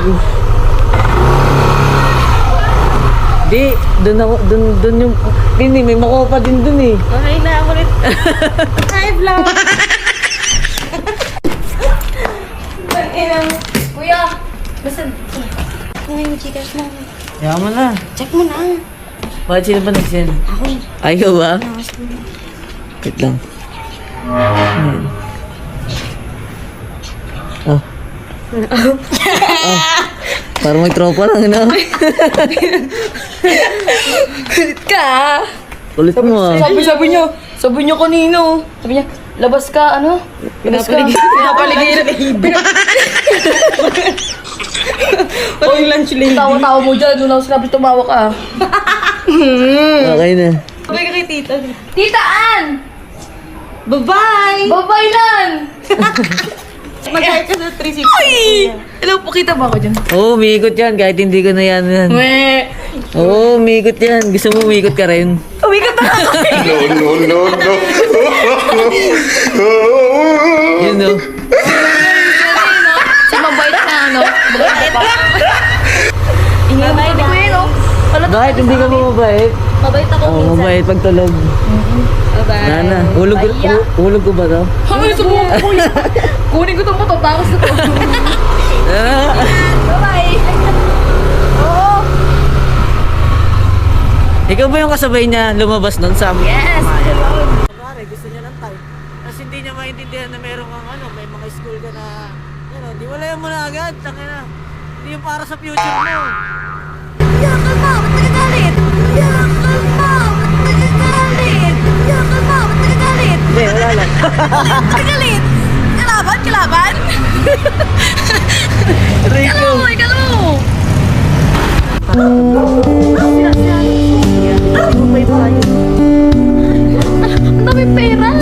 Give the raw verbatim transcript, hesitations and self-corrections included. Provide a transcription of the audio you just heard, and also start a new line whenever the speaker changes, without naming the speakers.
Di, dun ako, dun, dun yung, Pini, may makopa din dun eh.
Okay na, ulit. Hi, vlog. Kuya, basta, kung yung chikas mo,
Kaya mo na.
check mo na.
Bakit sino ba nag-send?
Ako eh.
Ayaw ba?
Nakas mo.
Wait lang. Ayan. Oh. Oh. Parang may tropa lang, no?
Kulit ka ah.
Ulit mo ah.
Sabi, sabi niya, sabi niya kanino. Sabi niya, labas ka, ano? Labas ka. Pinapaligid. Pinapaligid. Pati lunch lady. Tawa-tawa mo dyan, doon ako sinabi tumawa ka.
Okay na.
Sabi ka kay tita. Tita Ann! Bye-bye! Bye-bye Lan! Mag-hi ka sa three sixty. Ay! Hello po, kita ba ako dyan?
Oo, oh, umiikot yan kahit hindi ko na yan yan.
Meh!
Oo, oh, umiikot yan. Gusto mo umiikot ka rin?
Umikot na ako!
No, no, no, no.
Yun no.
Sa mabait na ano? Mabait pa. Ingay na hindi ko yun oh.
Bakit hindi ka mo mabait?
Mabait ako
Oo, oh, mabait pagtulog.
Bye-bye.
Nana, hulog, hu- hulog ko ba to?
Ay, subukan ko yun. Kunin ko itong matatakas na to.
Ah.
Bye-bye. Oo.
Ikaw ba yung kasabay niya lumabas nun sa amin?
Yes.
Pare, gusto niya ng type. Kasi hindi niya maintindihan na meron kang ano, may mga school ka na, ano, di wala yan mo na agad, tangin na. Hindi yung para sa future mo.
Yakal mo, ba't nagagalit? Yakal mo, ba't nagagalit? Yakal mo, ba't nagagalit?
Hindi, wala lang.
Nagagalit? Kalaban, kalaban?
Rico.
Kala mo, ikala mo. Ang dami pera.